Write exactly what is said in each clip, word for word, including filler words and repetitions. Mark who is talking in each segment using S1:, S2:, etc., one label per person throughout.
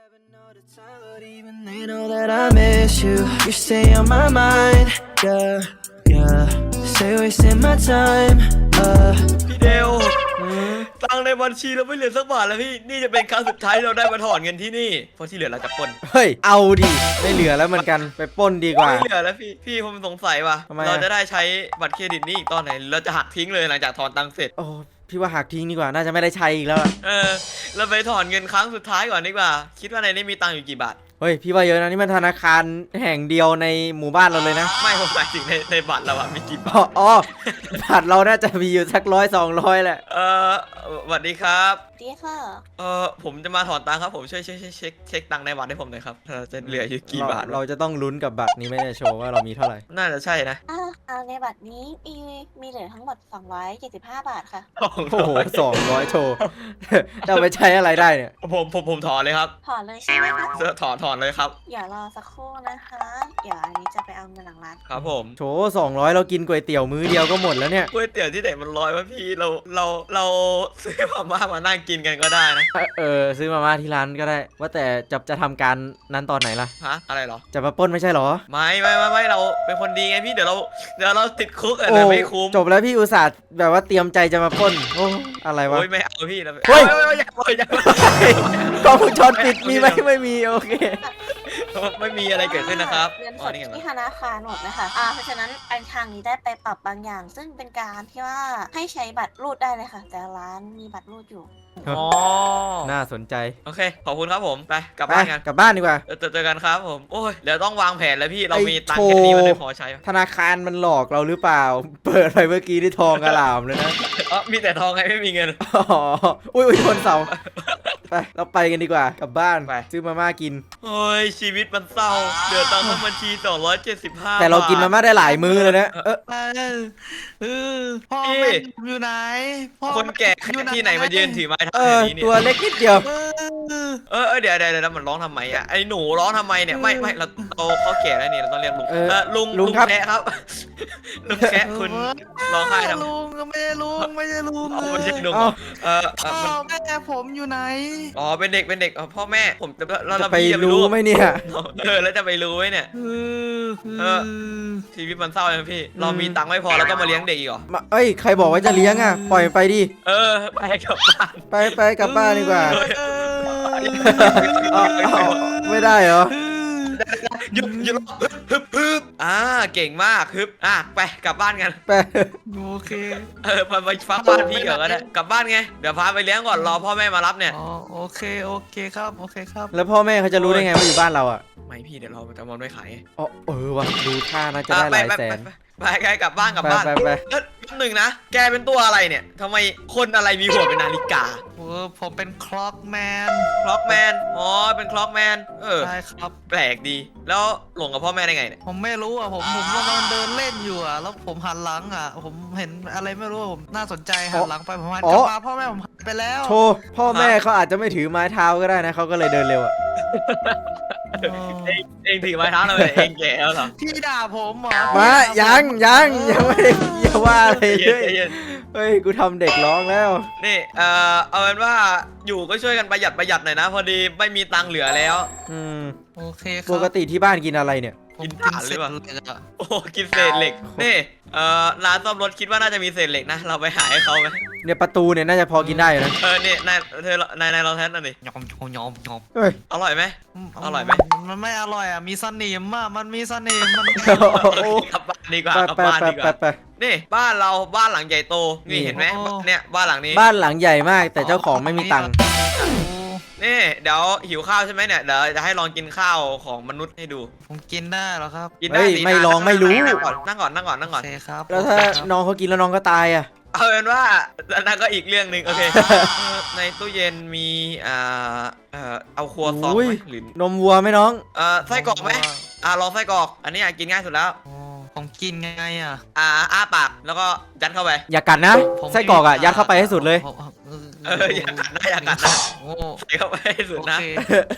S1: But even they know that I miss you. You stay on my mind, yeah, yeah. Stay wasting my time, uh.
S2: พี่เดวตังในบัญชีเราไม่เหลือสักบาทแล้วพี่นี่จะเป็นครั้งสุดท้ายที่เราได้มาถอนเงินที่นี่เพราะที่เหลือเราจะปล้น
S3: เฮ้ยเอาดิไม่เหลือแล้วเหมือนกันไปปล้นดีกว่า
S2: ไม่เหลือแล้วพี่พี่ผมสงสัยว่ะ
S3: ทำไมอะ
S2: เราจะได้ใช้บัตรเครดิตนี้อีกตอนไหนเราจะหักทิ้งเลยหลังจากถอนตังค์เสร็จ
S3: โอ้พี่ว่าหักทิ้งดีกว่าน่าจะไม่ได้ใช้อีกแล้วอะ
S2: เออเราไปถอนเงินครั้งสุดท้ายก่อนดีกว่าคิดว่าในนี้มีตังค์อยู่กี่บาท
S3: เฮ้ยพี่ว่าเยอะนะนี่มันธนาคารแห่งเดียวในหมู่บ้านเราเลยนะ
S2: ไม่ผมหมายถึงในในบัตรเราอะมีกี่บาท
S3: อ๋ออ๋อบัตรเราน่าจะมีอยู่สักร้อยสองร้อยแหละ
S2: เออสวัสดีครับ
S4: ดีค่ะ
S2: เออผมจะมาถอนตังค์ครับผมช่วยช่วยช่วยเช็คเช็คตังค์ในบัตรให้ผมหน่อยครับเราจะเหลืออยู่กี่บาท
S3: เรเราจะต้องลุ้นกับบัตรนี้ไม่ได้โชว์ว่าเรามีเท่าไหร่
S2: น่าจะใช่นะ
S4: อ่าอ่าในบัตรนี้มีมีเหลือทั้งหมด สองร้อยเจ็ดสิบห้า บาทค่ะ
S3: โอ้โหสองร้อยโชว์ จะเอาไปใช้อะไรได้เนี่ย
S2: ผมผมผมถอนเลยครับ
S4: ถอนเลยใช่ไหมคะ
S2: เสื้อถอนถอนเลยครับ
S4: อย่ารอสักครู่นะคะ เดี๋ยวอันนี้จะไปเอาเงินหลังร้าน
S2: ครับผม
S3: โชว์สองร้อยเรากินก๋วยเตี๋ยวมื้อเดียวก็หมดแล้วเนี่ย
S2: ก๋วยเตี๋ยวที่ไหนมันร้อยวะพี่เราเราเราซื้อมาม่ามานั่งกินกันก็ได้นะ
S3: เออซื้อมาม่าที่ร้านก็ได้ ว่าแต่จะจะทำการนั้นตอนไหนล่ะ
S2: ฮะอะไรเหรอ
S3: จะมาปล้นไม่ใช่เหรอ
S2: ไม่ไม่ไม่ไม่เราเป็นคนดีไงพี่เดี๋ยวเราเดี๋ยวเราติดคุกอะ
S3: โอ้
S2: แต่ไม่คุ้ม
S3: จบแล้วพี่อุตส่าห์แบบว่าเตรียมใจจะมาปล้นโอ้อะไรวะ
S2: โอ้ยไม่เอาพี่เรา
S3: เฮ้ย
S2: ไม่ไม่ไม่อย่าอย่า
S3: กล้องวงจรปิดมีไหมไม่มีโอเค
S2: ไม่มีอะไรเกิดขึ้นนะครับ
S4: เงิน
S2: อ๋
S4: ส
S2: อ
S4: ด
S2: นี่ไง
S4: ที่ธนาคารหมดนะคะอ่าเพราะฉะนั้นอันทางนี้ได้ไปปรับบางอย่าง ซึ่งเป็นการที่ว่าให้ใช้บัตรรูดได้เลยค่ะ แต่ร้านมีบัตรรูดอยู่
S2: อ๋อ
S3: น่าสนใจ
S2: โอเคขอบคุณครับผมไปกลับ
S3: ไป
S2: บ้านกัน
S3: กลับบ้านดีกว่า
S2: เออเจอเจอกันครับผมโอ้ยเดี๋ยวต้องวางแผนแล้วพี่เรา
S3: ไอ้
S2: มีตังค์แค่นี้
S3: โชว์
S2: มันไม่พอใช้
S3: ธนาคารมันหลอกเราหรือเปล่า เปิดไปเมื่อกี้ที่ทองกระหล่ำเลยนะ
S2: เออมีแต่ทองไงไม่มีเงิน
S3: อ๋ออุ้ยอุ้ยชนเสาไปเราไปกันดีกว่ากลับบ้าน
S2: ไป
S3: ซื้อมาม่ากิน
S2: โอ้ยชีวิตมันเศร้าเดือดตังค์ทั้งบัญชีสองร้อยเจ็ดสิบห้า
S3: แต่เรากินมาม่าได้หลายมื้อเลยนะเออ
S5: เออเออพ่อ
S2: พี่
S5: แม่อยู่ไหนพ่อ
S2: คนแก่ที่ไหนมายืนถือไม้เท้า
S3: เอ
S2: แบ
S3: อบ
S2: นี้เนี่
S3: ตัวย เล็กนิดเดียว
S5: เออ
S2: เออเออเดี๋ยวเดี๋ยวเดี๋ยวมันร้องทำไมอ่ะไอ้หนูร้องทำไมเนี่ยไม่ไม่เราเราเขาแก่แล้วนี่เราต้องเรียกลุง
S3: เออ
S2: เออลุง
S3: ลุงครับ
S2: แคะครับ ลุงแคะคุณร้องไห้ทำไม
S5: ลุงไม่ใช่ลุงไม่ใช่ลุง
S2: เอาไม่ใช่
S5: เลย
S2: ลุง
S3: เอ้า
S2: เออเอ
S5: พ่
S2: อ
S5: อ
S2: มัน
S5: แม่ผมอยู่ไหน
S2: อ๋อเป็นเด็กเป็นเด็กเออพ่อแม่ผมจะแล้ว
S3: จะ
S2: เรา
S3: ไป
S2: พี่จะ
S3: รู้ไหมเนี่ย
S2: เออแล้วจะไปรู้ไหมเนี่ย
S5: เออ
S2: เออ ชีวิตมันเศร้าเลยพี่ เรามีตังค์ไม่พอแล้วต้องมาเลี้ยงเด็กอีกเหรอ
S3: มาเอ้ยใครบอกว่าจะเลี้ยงอ่ะปล่อยไปดิ
S2: เออไปกลับบ้าน
S3: ไปไปกลับบ้านดีกว่า
S5: เออ
S3: อ้าวอ้าวไม่ได้เหรอ
S2: หยุดหยุดฮึบฮึบฮึบอ่าเก่งมากฮึบอ่ะไปกลับบ้านกัน
S3: ไป
S5: โอเค
S2: เออมาไปฟังบ้านพี่ก่อนก็ได้กลับบ้านไงเดี๋ยวพาไปเลี้ยงก่อนรอพ่อแม่มารับเนี่ย
S5: อ๋อโอเคโอเคครับโอเคครับ
S3: แล้วพ่อแม่เขาจะรู้ได้ไงว่าอยู่บ้านเราอ่ะ
S2: ไม่พี่เดี๋ยวเราจะมอนไม่ขาย
S3: อ๋อเออว่ะดูท่าน่าจะ
S2: อ่ะ
S3: ได้ห
S2: ไป
S3: ลาย
S2: ไป
S3: แส
S2: ไป
S3: น
S2: ไปไปไปกลับบ้านกลับ
S3: ไป
S2: บ้าน
S3: ไปไป
S2: เอ้ยแป๊บหนึ่งนะแกเป็นตัวอะไรเนี่ยทำไมคนอะไรมีหัวเป็นนาฬิกา
S5: เออผมเป็นคล็อกแมน
S2: คล็อกแมนอ๋อเป็นคล็อกแมนเออ
S5: ใช่ครับ
S2: แปลกดี แล้วหลงกับพ่อแม่ได้ไงเนี่ย
S5: ผมไม่รู้อ่ะผมผมกำลังเดินเล่นอยู่อ่ะแล้วผมหันหลังอ่ะ ผมเห็นอะไรไม่รู้ผมน่าสนใจหันหลังไปผมหันกลับมาพ่อแม่ผมหายไปแล้ว
S3: โชว์พ่อแม่เขาอาจจะไม่ถือไม้เท้าก็ได้นะเขาก็เลยเดินเร็วอ่ะ
S2: เองเองถือไม้เท้าเลยเองแก่แล้วเหรอ
S5: พี่ด่าผมเหรอ
S3: มายังยังยังไม่ได้อย่าว่าอะไร
S2: เย็
S3: เล
S2: น
S3: ย
S2: เย็น
S3: เฮ้ยกูทำเด็กร้องแล้ว
S2: นี่เอ่อเอาเป็นว่าอยู่ก็ช่วยกันประหยัดประหยัดหน่อยนะ พอดีไม่มีตังค์เหลือแล้ว
S3: อืม
S5: โอเคครับ
S3: ปกติที่บ้านกินอะไรเนี่ย
S5: ผม
S2: กิน
S5: กิน
S2: ถ่านห
S5: เส
S2: รื
S5: ร็
S2: อ
S5: จ
S2: เปล่า
S5: เลยอะ
S2: โอ้กินเศษเหล็กนี่เอ่อร้านซ่อมรถคิดว่าน่าจะมีเศษเหล็กนะ เราไปหาให้เขาไหม
S3: เนี่ยประตูเนี่ยน่าจะพอกินได้อยู่นะ
S2: เออเนี่ยนายเธอนายนายลองแทสหน่อยดิ
S5: ยอมยอมยอมยอม
S3: เฮ้ย
S2: อร่อยไหม อร่อยไหม
S5: มันไม่อร่อยอ่ะมีสนิมอ่ะมันมีสนิมมัน
S3: โอ้
S2: กลับบ้านดีกว่า
S3: ไป
S2: กลับ
S3: ไป
S2: บ้าน
S3: ไป
S2: ดีก
S3: ไป
S2: ว่า
S3: ไป
S2: นี่บ้านเราบ้านหลังใหญ่โต นี่
S3: นี่
S2: เห็นไหมเนี่ยบ้านหลังนี้
S3: บ้านหลังใหญ่มากแต่เจ้าของไม่มีตังค์
S2: นี่เดี๋ยวหิวข้าวใช่ไหมเนี่ยเดี๋ยวจะให้ลองกินข้าวของมนุษย์ให้ดู
S5: ผมกินได้เหรอครับ
S2: กินได้
S3: เฮ้ย
S2: สิ
S3: ไม่ลองไม่รู้
S2: นั่งก่อนนั่งก่อนนั่งก่อนนั่งก่
S5: โอ
S2: อน
S5: เคครับ
S3: แล้วถ้า
S5: โอเคครับ
S3: น้องเขากินแล้วน้องก็ตายอ่ะ
S2: เอาเป็นว่านั่นก็อีกเรื่องหนึ่งโอเค เออในตู้เย็นมีอ่าเอ่อเอาครัวซอง
S3: อุ้ย
S2: ไหมหรือน
S3: มวัวไหมน้อง
S2: เอ่อไส้กรอกไหมอ่าลองไส้กรอก อันนี้อ่ะกินง่ายสุดแล้ว
S5: อ๋อผมกินไงอ่ะ
S2: อ่าอ้าปากแล้วก็ยัดเข้าไป
S3: อย่ากัดนะ
S5: ผม
S3: ไส้กรอกอ่ะยัดเข้าไปให้สุดเลย
S5: ผม
S2: เอออย่ากัดนะอย่ากัดนะ
S5: โอ้
S2: ใส่เข้าไปให้สุด
S5: โอ
S2: นะ
S5: เค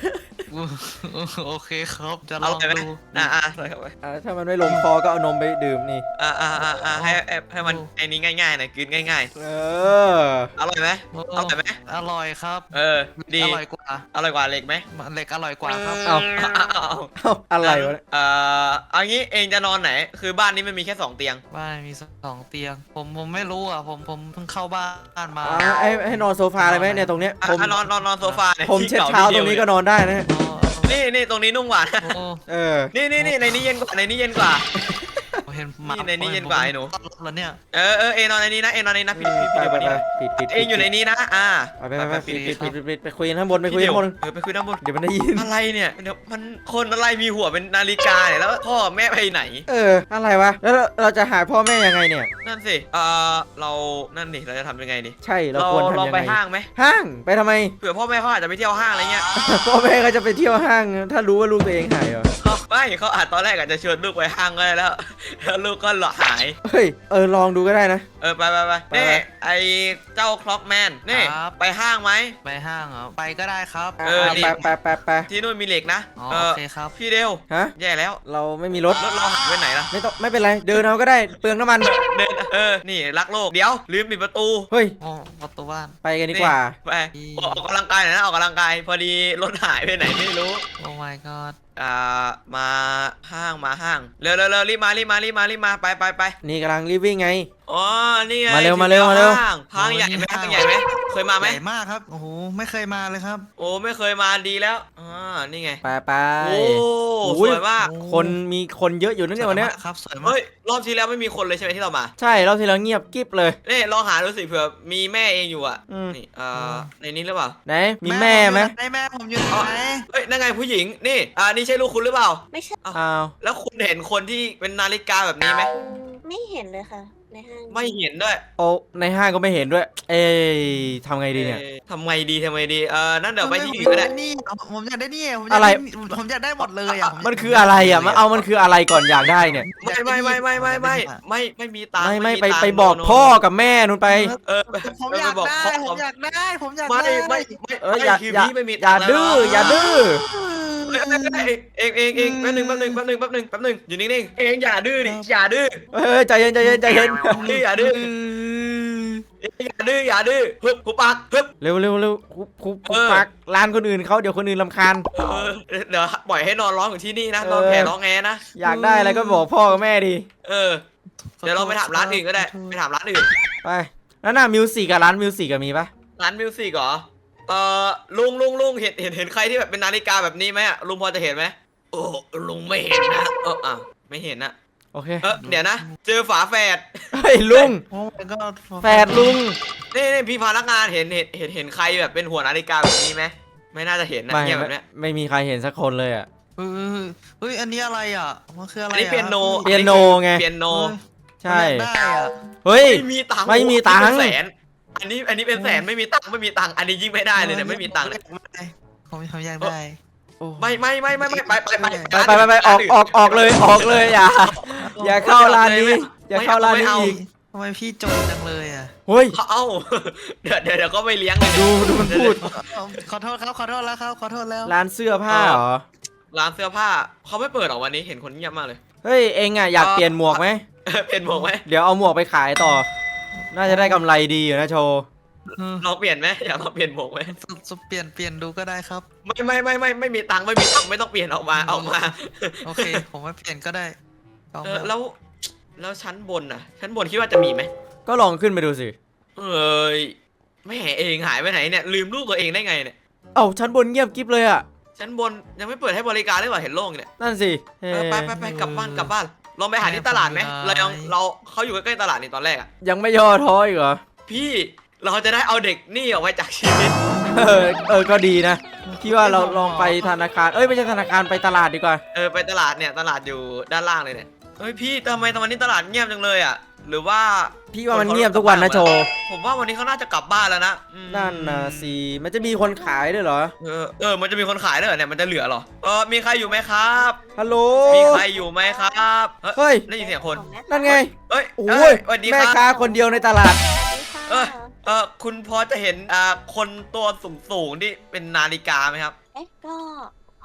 S5: โอเคครับจะล
S2: อ
S5: อง
S2: ร่อยไหม
S5: ดู
S2: อ่าอ่าใส่เข้าไป
S3: อ่าถ้ามันไม่ลงคอก็เอานมไปดื่มนี่
S2: อ่าอ่าอ่าอ่าให้ให้ให้มันไอ้นี้ง่ายๆหน่อยกินง่าย
S3: เออ
S2: ๆอร่อยไหม
S5: โอ้
S2: อร่อยไหม
S5: อร่อยครับ
S2: เออดี
S5: อร่อยกว่า
S2: อร่อยกว่าเหล็กไหม
S5: เหล็กอร่อยกว่าครับ
S3: เอา
S2: เอาเอาเอา
S3: เอ้าอะไรวะเนี่ย
S2: เอ่อเอางี้เองจะนอนไหน คือบ้านนี้มันมีแค่สองเตียง
S5: บ้านมีสองเตียง ผมผมไม่รู้อ่ะผมผมเพิ่งเข้าบ้านมา
S3: อ่าให้ให้นอนโซฟาเลยไหมเนี่ยตรงเนี้ย
S2: อ่ะ
S3: ผม
S2: อ่ะนอนนอนนอนโซฟานี่ย
S3: ผม
S2: ที่
S3: เช็ด
S2: ก่
S3: เท้าตรงนี้ก็นอนได้นะ
S5: อ๋อ
S2: นี่นี่ตรงนี้นุ่มกว่า
S5: โอ้
S3: เออ
S2: นี่นี่นี่ในนี้เย็นกว่าในนี้เย็นกว่า
S5: เห็นหมา
S2: นี่ในนี้เย็นกว่าไอ้หนู
S5: แล้วเนี่ย
S2: เออเออเองนอนในนี้นะเองนอนในนี้นะพี่พี่
S3: ไป
S2: พี่
S3: ไป
S2: เดี๋ยว
S3: ไป
S2: วันนี้นะ
S3: ปิดปิด
S2: เองอยู่ในนี้นะอ่า
S3: ไปไปไป
S2: ปิ
S3: ปิ
S2: ด
S3: ด
S2: ปิ
S3: ปิ
S2: ด
S3: ด
S2: ปิ
S3: ปิ
S2: ด
S3: ดปิดไปคุยข้างบนไปคุย
S2: พี่เดี๋ย
S3: ข้าว งบน
S2: เออไปคุยด้านบน
S3: เดี๋ยวมันได้ยิน
S2: อะไรเนี่ยเดี๋ยวมันคนอะไรมีหัวเป็นนาฬิกาเนี่ยแล้วพ่อแม่ไปไหน
S3: เอออะไรวะแล้วเราเราจะหาพ่อแม่ยังไงเนี่ย
S2: นั่นสิเออเรานั่นดิเราจะทำยังไงดิ
S3: ใช่เรา
S2: เรา
S3: ควร
S2: เรา
S3: ทำยัง
S2: ไป
S3: ไง
S2: ห้างไหม
S3: ห้างไปทำไม
S2: เผื่อพ่อแม่เขาอาจจะไปเที่ยวห้างอะไรเงี้ย
S3: พ่อแม่ก็จะไปเที่ยวห้าง ถ้ารู้ว่าลูกตัวเองหายเหรอ
S2: เขาไม่เขาอาจตอนแรกอาจจะชวนลูกไปห้างก็ได้แล้ว แล้วลูกก็หลอหาย
S3: เฮ้ยเออลองดูก็ได้นะ
S2: เออไปไปไป
S3: ไป
S2: นี่
S3: ไป
S2: ไอเจ้าคล็อกแมนนี่ไปห้างไหม
S5: ไปห้างเหรอไปก็ได้ครับ
S3: อ่ะ
S2: เออ
S3: อ่ะ
S2: นี่
S3: ไปไปไปไป
S2: ที่นู่นมีเหล็กนะ
S5: อ๋อ
S2: เอ
S5: โอ
S2: อ
S5: เคครับ
S2: พี่เดียว
S3: ฮะ
S2: แย่แล้ว
S3: เราไม่มีรถ
S2: รถเราหายไปไหนล่ะ
S3: ไม่ต้องไม่เป็นไรเดินเอาก็ได้เปลืองน้ำมัน
S2: เดินเออนี่รักโลกเดี๋ยวลืมปิดประตู
S3: เฮ้ย
S5: โอ้ประตูบ้าน
S3: ไปกันดีกว่า
S2: ไปออกกำลังกายหน่อยนะออกกำลังกายพอดีรถหายไปไหนไม่รู้
S5: โอ้ my god
S2: อ่ามาห้างมาห้างเร็วเร็วเร็วรีบมารีบมารีบมารีบมาไปไปไป
S3: นี่กำลังรีบวิ่งไง
S2: อ๋อนี่ไง
S3: มาเร็ว
S2: ถึง
S3: มาเร็ว
S2: แล้
S3: มาเร็ว
S2: ห้างห้างใหญ่ไหมห้างใหญ่ไหมเคยมาไหม
S5: ใหญ่มากครับโอ้โหไม่เคยมาเลยครับ
S2: โอ้ไม่เคยมาดีแล้วอ่านี่ไง
S3: ไปไป
S2: โอ้
S3: อุ้
S2: ส
S3: ย
S2: วยมาก
S3: คนมีคนเยอะอยู่นะเนี่ยวันเนี้ย
S5: สวยมากครับสวยมาก
S2: เฮ้ยรอบที่แล้วไม่มีคนเลยใช่ไหมที่เรามา
S3: ใช่เราทีเราเงียบกิ๊บเลย
S2: นี่ลองหาดูสิเผื่อมีแม่เองอยู่อ่ะ
S3: อืม
S2: นี่เอ่อในนี้หรือเปล่า
S3: ไหนมีแม่ไหม
S5: ได้แม่ผมอยู่ไหน
S2: เอ้ยนั่นไงผู้หญิงนี่อ่านี่ใช่ลูกคุณหรือเปล่า
S4: ไม่ใช่
S3: อ้าว
S2: แล้วคุณเห็นคนที่เป็นนาฬิกาแบบนี้ไหม
S4: ไม่เห็นเลยค่ะ ในห้าง
S2: ไม่เห็นด้วย
S3: โอ้ในห้างก็ไม่เห็นด้วย เอ้ยทำไงดีเนี่ย
S2: อ้ทำไงดีทำไงดีเออนั่นเดี๋ยวไปที่อื่น
S5: ผม
S2: ก็
S5: อยา
S2: ได้
S5: กได้นี่ผมอยากได้นี่ผมอยาก
S3: อะไร
S5: ได้ผมอยากได้หมดเลยอ่ะผ
S3: มันคืออะไรอ่ะมันเอามันคืออะไรก่อนอยากได้เนี่ย
S2: ไม่ไม่ไม่ไม่ไม่ไม่ไม่ไม่มีตังค์
S3: ไม่ไม่ไป
S2: ตังค์
S3: ไปบอก
S2: โนโน
S3: พ่อกับแม่นู่นไป
S2: เออ
S5: ผมอยาก
S2: ปบ
S5: ได้
S2: พ่
S5: ผมอยากได้ผมอยาก
S2: ไม่
S5: ได้
S2: ไม่ไม่
S3: เออ
S2: ไม่
S3: อย่า
S2: คือ
S3: อย่า
S2: พี่ไม่มี
S3: อย่า
S2: ตังค์
S3: ดื้อ
S2: แล้ว
S3: อย่าดื้อ
S2: เอ้ยเอ้ยเอ้ยเองเองเองแป๊บหนึงแป๊บหนึงแป๊บหนึงแป๊บหนึงแป๊บหนึงอยู่นิ่งๆเองอย่าดื้อดิอย่าดื้อ
S3: เออใจเย็นใจเย็นใจเย็น
S2: ดื้ออย่าดื้ออย่าดื้ออย่าดื้อฮึบหุบปากฮึบ
S3: เร็วเร็วเร็วคุบคุบคุบ
S2: เออ
S3: ปักร้านคนอื่นเขาเดี๋ยวคนอื่นรำคาญ
S2: เออเดี๋ยวปล่อยให้นอนร้องอยู่ที่นี่นะ
S3: เออ
S2: นอนแผ่ร้องแงนะ
S3: อยากได้อะไรก็บอกพ่อกับแม่ดี
S2: เออเดี๋ยวเราไปถามร้านอื่นก็ได้ไปถามร้านอื่น
S3: ไปแล้วน่ะมิวสิกกับร้านมิวสิกมีปะ
S2: ร้านมิวสิกเหรอเออลุงลุงลุงเห็นเห็นเห็นใครที่แบบเป็นนาฬิกาแบบนี้ไหมอะลุงพอจะเห็นไหมโอ้ลุงไม่เห็นนะเอออ่ะไม่เห็นนะ
S3: โอเค
S2: เออเดี๋ยวนะ เจอฝาแฝด
S3: เฮ้ยลุง
S5: โอ้ my god
S3: แฝดลุง
S2: นี่นี่พี่พนักงานเห็นเห็นเห็นเห็นใครแบบเป็นหัวนาฬิกาแบบนี้ไหมไม่น่าจะเห็นนะ
S3: ไม่
S2: เนี่ยแบ
S3: ไม่
S2: บเนี้ย
S3: ไม่มีใครเห็นสักคนเลยอ่ะ
S5: เฮ้ยเฮ้ยอันนี้อะไรอ่ะมันคืออะไร
S2: อันนี้เปียโน
S3: เปียโนไง
S2: เปียโน
S3: ใช่
S5: ได้อ่ะ
S3: เฮ้ย
S2: ไม่มีตังค์
S3: ไม่มีตังค์
S2: เป็นแสนอันนี้อันนี้เป็นแสนไม่มีตังค์ไม่มีตังค์อันนี้ยิ่งไม่ได้เลยเนี่ยไม่มีตังค์เลย
S5: ผมผมอยากได้
S2: ไม่ไม่ไม่ไม่ไม่ไปไปไป
S3: ไปไปไปไปออกออกออกเลยออกเลยอย่าอย่าเข้าร้านนี้ อย่าเข้าร้านนี้อีก
S5: ทำไมพี่จนจังเลยอ่ะ
S3: เฮ้ย
S2: เอ้าเดี๋ยวเดี๋ยวเดี๋ยวก็ไม่เลี้ยงเลย
S3: ดูดูมันพูด
S5: ขอโทษครับขอโทษแล้วครับขอโทษแล้ว
S3: ร้านเสื้อผ้าเหรอ
S2: ร้านเสื้อผ้าเขาไม่เปิดหรอกวันนี้เห็นคนเงียบมากเลย
S3: เฮ้ยเองอ่ะอยากเปลี่ยนหมวกไหม
S2: เป็นหมวกไหม
S3: เดี๋ยวเอาหมวกไปขายต่อ น่าจะได้กำไรดีอยู่นะโชว์
S2: ลองเปลี่ยนไหมอยากลองเปลี่ยนหมวกไหม
S5: จะเปลี่ยนเปลี่ยนดูก็ได้ครับ
S2: ไม่ไม่ไม่ไม่ไม่มีตังค์ไม่มีตังค์ไม่ต้องเปลี่ยนออกมาออกมา
S5: โอเค ผมไม่เปลี่ยนก็ได้เอา
S2: เออ
S5: มา
S2: แล้วแล้วชั้นบนน่ะชั้นบนคิดว่าจะมีไหม
S3: ก็ลองขึ้นไปดูสิ
S2: เอ้ยไม่เห็นเองหายไปไหนเนี่ยลืมรูปตัวเองได้ไงเนี่ย
S3: เอ้าชั้นบนเงียบกิ๊บเลยอ่ะ
S2: ชั้นบนยังไม่เปิดให้บริการเลยว่ะเห็นโล่งเนี่ย
S3: นั่นสิเฮ้
S2: เออไปไปไปกลับบ้านกลับบ้านลองไปหาที่ตลาดไหมเรายังเราเขาอยู่ใกล้ๆตลาดนี่ตอนแรกอ่ะ
S3: ยังไม่ย่อท้ออีกเหรอ
S2: พี่เราจะได้เอาเด็กนี่ออกไปจากชีวิต
S3: เออเออก็ดีนะพี่ว่าเราลองไปธนาคารเอ้ยไม่ใช่ธนาคารไปตลาดดีกว่า
S2: เออไปตลาดเนี่ยตลาดอยู่ด้านล่างเลยเนี่ยเฮ้ยพี่ทำไมตอนนี้ตลาดเงียบจังเลยอ่ะหรือว่า
S3: พี่ว่ามันเงียบทุกวันนะโชว์
S2: ผมว่าวันนี้เขาน่าจะกลับบ้านแล้วนะอืม
S3: นั่นนะสิมันจะมีคนขายด้วยเหรอ
S2: เออเออมันจะมีคนขายด้วยเหรอเนี่ยมันจะเหลือเหรอเออมีใครอยู่ไหมครับ
S3: ฮัลโหล
S2: มีใครอยู่ไหมครับ
S3: เฮ้ย
S2: ได้ยินเสียงคน
S4: ของแม่
S3: นั่นไง
S2: เอ้ย
S3: โอ้
S2: เอ้
S3: ย
S2: สวัสดี
S3: แม่
S2: ครับ
S3: ค้าคนเดียวในตลาด
S4: สวัสดีค่ะ
S2: เออเออคุณพอจะเห็นอ่าคนตัวสูงสูงๆที่เป็นนาฬิกาไหมครับ
S4: เอ๊ะก็พอ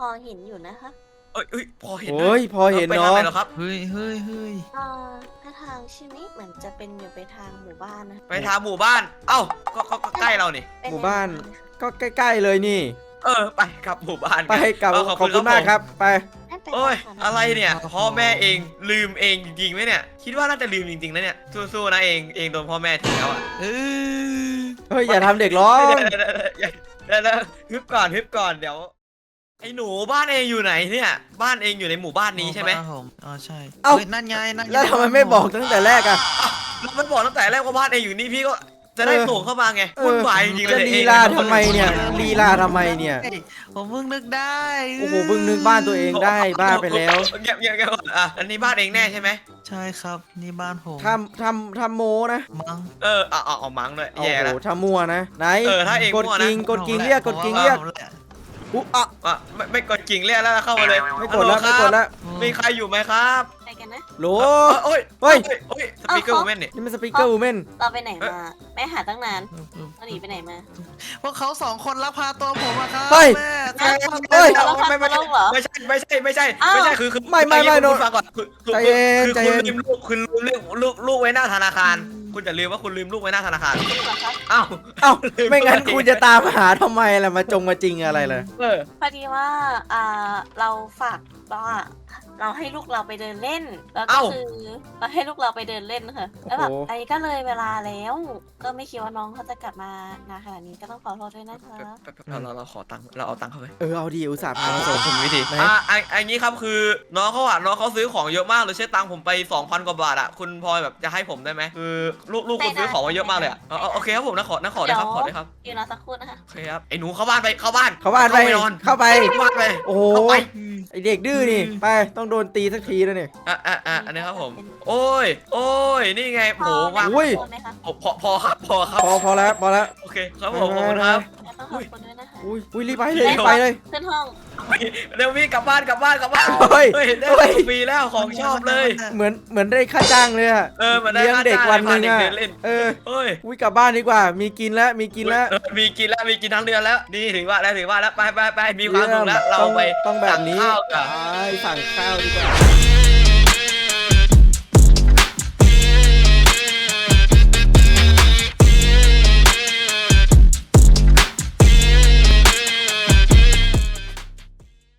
S4: อเห็นอยู่นะคะ
S2: เอ้ยเอ้ยพอเห็น
S3: โอ้ยพอเห็น
S2: ไปทาง
S3: เนาะ
S2: ไหนเหรอครับ
S5: เฮ้ยเฮ้ยเฮ้ย
S4: อ่าถ้าทางใช่ไหมเหมือนจะเป็นอยู่ไปทางหมู่บ้านนะ
S2: ไปทางหมู่บ้าน เอ้าก็ก็ก็ใกล้เรานี่
S4: เป็
S3: หมู่บ้าน
S4: แวทงเลยค่ะ
S3: ก็ใกล้ๆเลยนี่
S2: เออไปครับหมู่บ้าน
S3: ไปกับ
S2: เออ
S3: ขอบคุณมากครับไป
S4: นั่นเป็น
S2: โอ้ย
S4: ทาง
S2: อะไรเนี่ยพ่อแม่เองลืมเองจริงๆไหมเนี่ย คิดว่าน่าจะลืมจริงๆนะเนี่ยสู้ๆนะเองเองโดนพ่อแม่ทิ้งแล้วอ่ะ
S5: เออ
S3: เฮ้ยอย่าทำเด็กร้อง
S2: เดี๋ยวเดี๋ยวเดี๋ยวเดี๋ยวเดี๋ยวฮึบก่อนฮึบก่อนเดี๋ยวไอ้หนูบ้านเองอยู่ไหนเนี่ย บ้านเองอยู่ในหมู่บ้านนี้ใช่ไหม
S5: บ้านผมอ๋อใช่
S3: เอ้า
S5: ฮ้ยนั่นไงนั่นง
S3: แล้วทำไมไม่บอกตั้งแต่แรกอะ
S2: แล้วมันบอกตั้งแต่แรกว่าบ้านเองอยู่นี่พี่ก็จะได้
S3: เออ
S2: ส่งเข้ามาไง
S3: เออ
S2: วุ่นวายจริงๆเล
S3: จะ
S2: ย
S3: ลีลาทำไมเนี่ยลีลาทำไมเนี่ย
S5: เฮ้ยผมเพิ่งนึกได้
S3: โอ้โหเพิ่งนึกบ้านตัวเองได้บ้าไปแล้ว
S2: เงียบเงียบเงียบก่อนอ่ะอันนี้บ้านเองแน่ใช่ไหม
S5: ใช่ครับนี่บ้านผม
S3: ทำทำทำโมนะ
S5: มั้ง
S2: เออเอาเอาเอามังเลย
S3: โอ้
S2: แย่
S3: โห
S2: แล้ว
S3: ทำมัวนะไหน
S2: เออถ้าเอง
S3: กด
S2: มั่วนะ
S3: กิ่งกดกิ่งเรียกกดกิ่งเรียก
S5: ผมแหละ
S3: อุ๊อ่ะ
S2: อ่ะไม่ไม่กดกิ่งเรียกแล้วเข้ามาเลย
S3: ไม่กดแล้ว
S2: ฮั
S3: ไม่
S2: โห
S3: กดแล้ว
S2: มีใครอยู่ไหมครับ
S4: ไปกันนะ
S3: โหล
S2: โอ้ย
S3: เฮ้ย
S2: โอ้ยสปีกเกอร์วูแมนเนี่ย
S3: นี่มันสปีกเกอร์วูแมน
S4: เราไปไหนมาไม่หาตั้งนานเราหนีไปไหนมา
S5: พวกเขาสองคนลักพาตัวผมอะครับ
S3: เฮ้ย
S5: แม่
S4: เฮ้ย
S5: ลักพา
S3: เฮ้ย
S4: เราพา
S2: ไม่ไม่
S4: ตัวโลกเหรอ
S2: ไม่ใช่ไม่ใช่ไม่ใช่
S4: อ้าว
S2: ไม่ใช่คือคือ
S3: ไม่ไม่ไม่
S2: คุณ
S3: โน
S2: ฟังก่อนคือคือ
S3: ใจเย็น
S2: คือ
S3: ใจ
S2: คุณ
S3: เย็น
S2: ลืมลูกคุณลืมลูกลูกลูกไว้หน้าธนาคาร คุณอย่าลืมว่าคุณลืมลูกไว้หน้าธนาคาร
S4: จริงเหรอคะ
S2: อ้าว
S3: เอ้าไม่งั้นคุณจะตามหาทำไมล่ะมาจงมาจริงอะไรเลย
S2: เออ
S4: พอดีว่าอ่าเราฝากว่าเราให้ลูกเราไปเดินเล่น แล้วก็
S2: เอ้า
S4: คือเราให้ลูกเราไปเดินเล่นค่ะแล้วแบบ
S3: โอ้โห
S4: อันนี้ก็เลยเวลาแล้ว ก็ไม่คิดว่าน้องเขาจะกลับมานานขนาดนี้ก็ต้องขอโทษด้วยนะคะ
S2: เราเราเราขอตังค์เราเอาตังค์เข้าไป
S3: เออเอาดีอุตส่าห์พามาส่ง
S2: ผมวิธี
S3: ไหน
S2: อ่ะอันอันนี้ครับคือน้องเขาอ่ะน้องเขาซื้อของเยอะมากเลยใช้ตังค์ผมไปสองพันกว่าบาทอ่ะคุณพลอยแบบจะให้ผมได้ไหมคือลูกลูกคุณซื้อของมาเยอะมากเลยอ่ะเอาเอาโอเคครับผมนะขอนะขอได้ครับขอได้ครับ
S4: อยู่รอสักครู่นะคะ
S2: โอเคครับไอ้หนูเข้าบ้านไปเข้าบ้าน
S3: เข้าบ้านไป
S2: นอน
S3: เข้าไป
S2: เข้าบ้านไป
S3: โอ้โห
S2: เข้าไป
S3: ไอเด็กดื้อนี่ไปต้องโดนตีสักทีแล้วนี่
S2: อ่ะอ่ะอ่ะอันนี้ครับผม โอ้ย โอ้ย นี่ไงโหวาง
S3: อุ้ย
S4: ขอบคุณไหมคะ
S2: พอพอพอครับ พอครับ
S3: พอพอแล้วพอแล้ว
S2: โอเค ครับผมขอบคุณครับ
S4: แล้วต้องขอบคุณด้วยนะคะ
S3: อุ้ยอุ้ยรีบไปเลยรีบไปเลย
S4: ขึ้นห้อง
S2: เดี๋ยวพี่กลับบ้านกลับบ้านกลับบ้าน
S3: เฮ้ย
S2: เฮ้ยได้
S3: เฮ้ย
S2: ฟรีแล้วของชอบเลย
S3: เหมือนเหมือนได้ค่าจ้างเลยอะ
S2: เออเหมือนได้
S3: เลี้ยง
S2: ค่า
S3: เด็ก
S2: จ้าง
S3: วันหนึ่ง
S2: ให้
S3: อะ
S2: พาเด็กเดินเล่น
S3: เออ
S2: เฮ้ย
S3: อุ้ยกลับบ้านดีกว่า มีกินแล้วมีกินแล้ว
S2: เออมีกินแล้วมีกินทั้งเดือนแล้ว นี่ถือว่าแล้วถือว่าแล้วไปไปไปมีความสุขแล้ว เราไป
S3: ต้องต้องแบบนี้
S2: สั่งข้าวกัน
S3: ไปสั่งข้าวดีกว่า